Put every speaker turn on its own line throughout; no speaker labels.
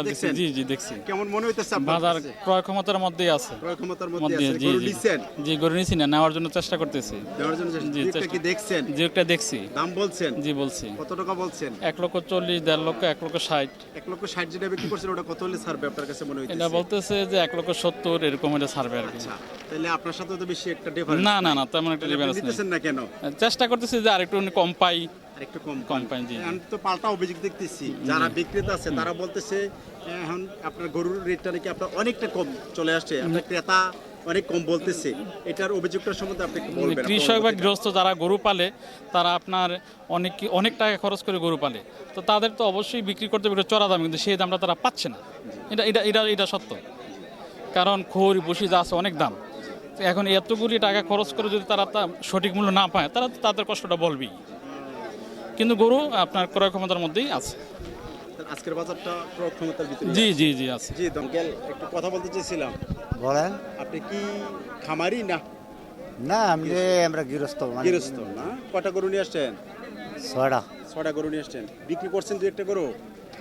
দেখছেন?
জি জি দেখছি।
কেমন মনে হইতেছে আপনার
বাজার
কাছে?
ক্রয় ক্ষমতার মধ্যেই আছে।
ক্রয় ক্ষমতার মধ্যে আছে।
জি
গরু
জি
নিছেন?
জি গরু নিছি না, নেওয়ার জন্য চেষ্টা করতেছি।
দেওয়ার জন্য
জি
দুইটা
চেষ্টা
কি দেখছেন?
জি একটা দেখছি।
দাম বলছেন?
জি বলছি।
কত টাকা বলছেন?
1,40,000, 1,50,000, 1,60,000।
1,60,000 যেটা বিক্রি করছেন ওটা কত হলে ছাড়বে আপনার কাছে মনে
এটা
হইতেছে?
বলতেছে যে 1,70,000 এরকম এটা ছাড়বে আর কি।
আচ্ছা, তাহলে আপনার সাথে তো বেশি একটা ডিফারেন্স
না না না তেমন একটা ডিফারেন্স নেই।
নিতেছেন না কেন?
চেষ্টা করতেছি যে আরেকটু কম পাই।
আর একটু কম
কম পাই, জি।
এখন তো পাল্টা অভিযোগ দেখতেছি যারা বিক্রেতা আছে তারা বলতেছে এখন আপনার গরুর রেটটা নাকি আপনার অনেকটা কম চলে আসছে, আপনার ক্রেতা অনেক কম বলতেছে। এটার অভিযোগটার সম্বন্ধে আপনি একটু বলবেন।
কৃষক বা গৃহস্থ যারা গরু পালে তারা আপনার অনেক টাকা খরচ করে গরু পালে, তো তাদের তো অবশ্যই বিক্রি করতে হবে চড়া দাম, কিন্তু সেই দামটা তারা পাচ্ছে না। এটা সত্য, কারণ খড় বসি যা আছে অনেক দাম। তো এখন এতগুলি টাকা খরচ করে যদি তারা সঠিক মূল্য না পায়, তারা তো তাদের কষ্টটা বলবেই। কিন্তু গরু আপনার ক্রয় ক্ষমতার মধ্যেই আছে।
আজকের বাজারটা ক্রয় ক্ষমতার ভিতরে
জি জি জি আছে।
জি দমকেল একটু কথা বলতে চাইছিলাম।
বলেন।
আপনি কি খামারি না
না আমরা গৃহস্থ
গৃহস্থ? না, কটা গরু নিয়ে আসছেন?
ছয়টা।
6টা গরু নিয়ে আসছেন। বিক্রি করছেন দুই একটা গরু?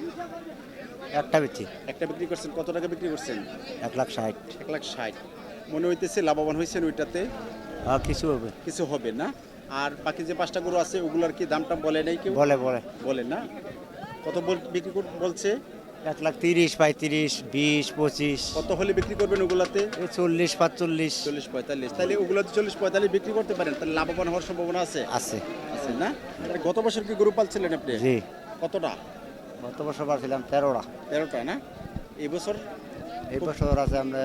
একটা বেচি
একটা বিক্রি করছেন। কত টাকা বিক্রি করছেন?
1,60,000।
1,60,000। মনে হইতেছে লাভবান হয়েছেন ওইটাতে?
কিছু হবে।
কিছু হবে না। আর বাকি যে 5টা গরু আছে ওগুলার কি দামটা বলে নাই কেউ?
বলে
বলে না। কত বিক্রি বলছে?
1,30,000, 35,000, 20, 25,
কত হলে বিক্রি করবেন ওগুলাতে?
40, 45
40-45। তাহলে ওগুলাতে 40-45 বিক্রি করতে পারেন, তাহলে লাভবান হওয়ার সম্ভাবনা আছে?
আছে।
আছে না? তাহলে গত বছর কি গরু পালছিলেন আপনি?
জি,
কতটা?
গত বছর পারছিলাম 13টা।
13টা না? এই বছর
এই বছর আছে আমরা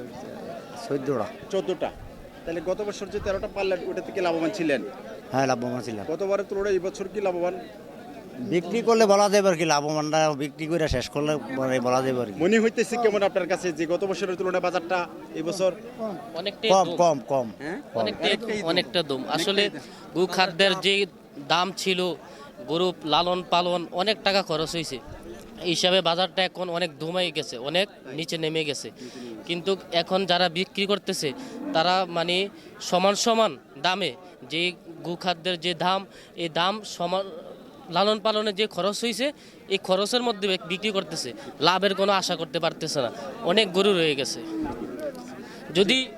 14টা।
14টা। তাহলে গত বছর যে 13টা পারলেন ওটা থেকে লাভবান ছিলেন?
হ্যাঁ, লাভবান ছিলাম।
গতবারের তুলনায় এই বছর কি লাভবান?
বিক্রি করলে বলা যাবে আর কি, লাভবানটা বিক্রি করে শেষ করলে বলা যাবে আর কি।
মনে হইতেছে কেমন আপনার কাছে যে গত বছরের তুলনায় বাজারটা এই বছর
অনেকটাই
কম
দম,
কম কম
হ্যাঁ
অনেকটা দম। আসলে গো খাদ্যের যে দাম ছিল, গরু লালন পালন অনেক টাকা খরচ হয়েছে, এই হিসাবে বাজারটা এখন অনেক দমাই গেছে, অনেক নিচে নেমে গেছে। কিন্তু এখন যারা বিক্রি করতেছে তারা মানে সমান সমান দামে যে গো খাদ্যের যে দাম, এই দাম সমান লালন পালনের যে খরচ হয়েছে এই খরচের মধ্যে বিক্রি করতেছে, লাভের কোনো আশা করতে পারতেছে না, অনেক গরু রয়ে গেছে। যদি